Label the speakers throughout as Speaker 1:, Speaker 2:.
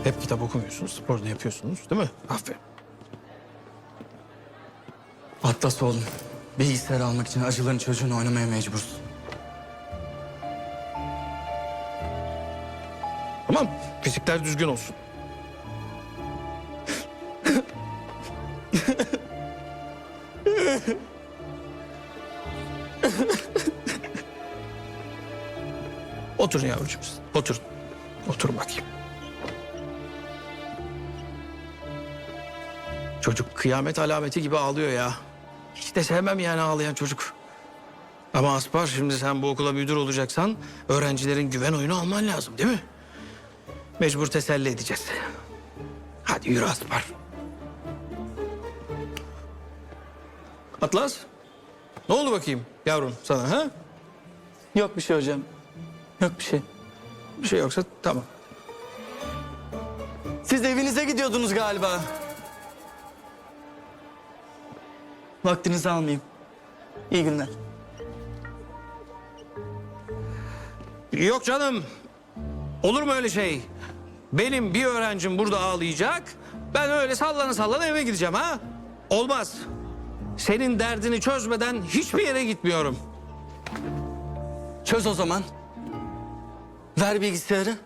Speaker 1: Hep kitap okumuyorsunuz, spor da yapıyorsunuz değil mi? Aferin.
Speaker 2: Atlas oğlum. Bilgisayar almak için acıların çocuğunu oynamaya mecbursun.
Speaker 1: Tamam, fizikler düzgün olsun. Oturun yavrucuğum siz. Oturun. Oturun bakayım. Çocuk kıyamet alameti gibi ağlıyor ya. Hiç de sevmem yani ağlayan çocuk. Ama Aspar, şimdi sen bu okula müdür olacaksan öğrencilerin güven oyunu alman lazım değil mi? Mecbur teselli edeceğiz. Hadi yürü Aspar. Atlas. Ne oldu bakayım yavrum sana ha?
Speaker 2: Yok bir şey hocam. Yok bir şey.
Speaker 1: Bir şey yoksa tamam.
Speaker 2: Siz evinize gidiyordunuz galiba. Vaktinizi almayayım. İyi günler.
Speaker 1: Yok canım. Olur mu öyle şey? Benim bir öğrencim burada ağlayacak. Ben öyle sallana sallana eve gideceğim ha? Olmaz. Senin derdini çözmeden hiçbir yere gitmiyorum.
Speaker 2: Çöz o zaman. Ver bilgisayarı.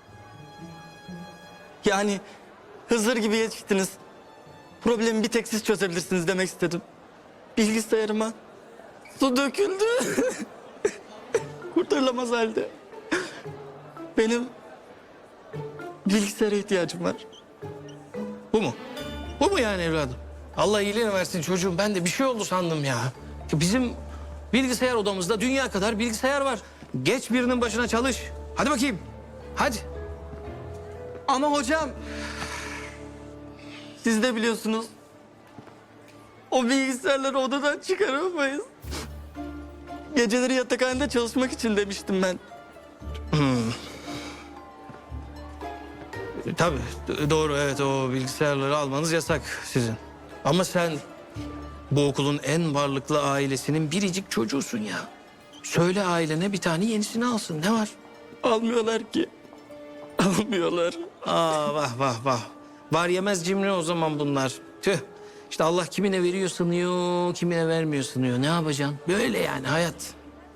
Speaker 2: Yani Hızır gibi yetiştiniz. Problemi bir tek siz çözebilirsiniz demek istedim. Bilgisayarıma su döküldü. Kurtarılamaz halde. Benim bilgisayara ihtiyacım var.
Speaker 1: Bu mu? Bu mu yani evladım? Allah iyiliğini versin çocuğum. Ben de bir şey oldu sandım ya. Bizim bilgisayar odamızda dünya kadar bilgisayar var. Geç birinin başına çalış. Hadi bakayım. Hadi.
Speaker 2: Ama hocam, siz de biliyorsunuz. O bilgisayarları odadan çıkaramayız. Geceleri yatakhanede çalışmak için demiştim ben.
Speaker 1: Tabii doğru, evet, o bilgisayarları almanız yasak sizin. Ama sen bu okulun en varlıklı ailesinin biricik çocuğusun ya. Söyle ailene bir tane yenisini alsın, ne var?
Speaker 2: Almıyorlar ki. Almıyorlar.
Speaker 1: Aa, vah vah vah. Var yemez cimri o zaman bunlar. Tüh. İşte Allah kimine veriyor sanıyor, kimine vermiyor sanıyor. Ne yapacaksın? Böyle yani hayat.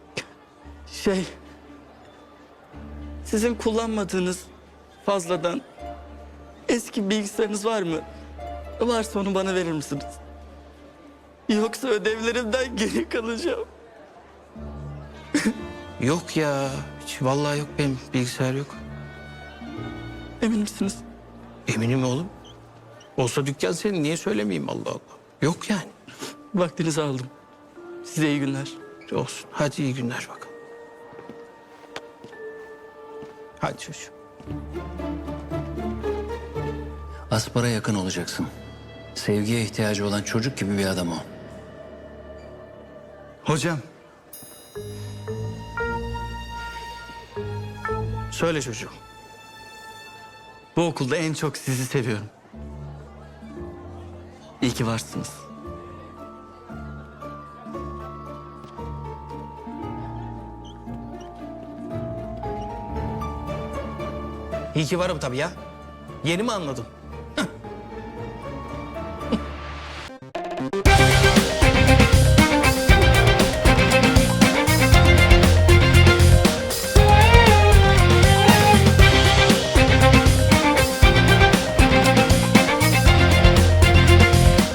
Speaker 2: Sizin kullanmadığınız fazladan eski bilgisayarınız var mı? Varsa onu bana verir misiniz? Yoksa ödevlerimden geri kalacağım.
Speaker 1: Yok ya. Hiç, vallahi yok, benim bilgisayar yok.
Speaker 2: Emin misiniz?
Speaker 1: Eminim oğlum. Olsa dükkan senin, niye söylemeyeyim, Allah Allah. Yok yani.
Speaker 2: Vaktinizi aldım. Size iyi günler.
Speaker 1: Olsun. Hadi iyi günler bakalım. Hadi çocuğum.
Speaker 3: Aspar'a yakın olacaksın. Sevgiye ihtiyacı olan çocuk gibi bir adam o.
Speaker 2: Hocam,
Speaker 1: Söyle çocuğum.
Speaker 2: bu okulda en çok sizi seviyorum. İyi ki varsınız.
Speaker 1: İyi ki varım tabii ya. Yeni mi anladım?